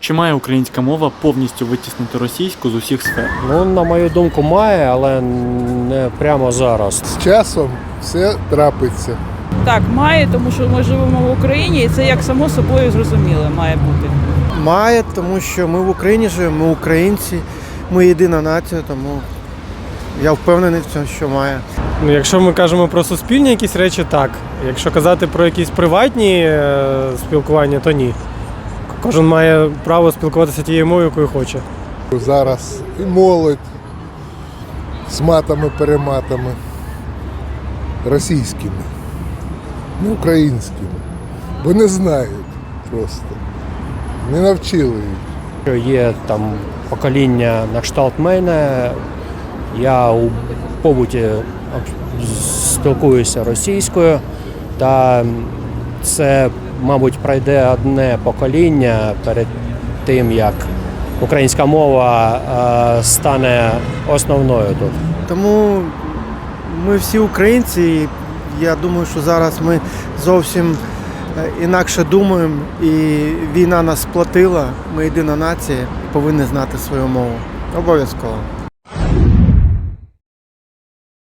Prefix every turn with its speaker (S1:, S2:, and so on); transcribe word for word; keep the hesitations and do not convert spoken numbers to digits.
S1: Чи має українська мова повністю витіснити російську з усіх сфер?
S2: Ну, на мою думку, має, але не прямо зараз.
S3: З часом все трапиться.
S4: Так, має, тому що ми живемо в Україні, і це як само собою зрозуміло має бути.
S5: Має, тому що ми в Україні живемо, ми українці, ми єдина нація, тому я впевнений в цьому, що має.
S6: Ну, якщо ми кажемо про суспільні якісь речі, так. Якщо казати про якісь приватні е, спілкування, то ні. Кожен має право спілкуватися тією мовою, якою хоче.
S3: Зараз і молодь з матами-перематами російськими, не українськими, бо не знають просто, не навчили їх.
S2: Є там покоління на кшталт мене, я у побуті спілкуюся російською, та це, мабуть, пройде одне покоління перед тим, як українська мова е, стане основною тут.
S5: Тому ми всі українці, і я думаю, що зараз ми зовсім інакше думаємо, і війна нас сплотила, ми єдина нація, і повинні знати свою мову. Обов'язково.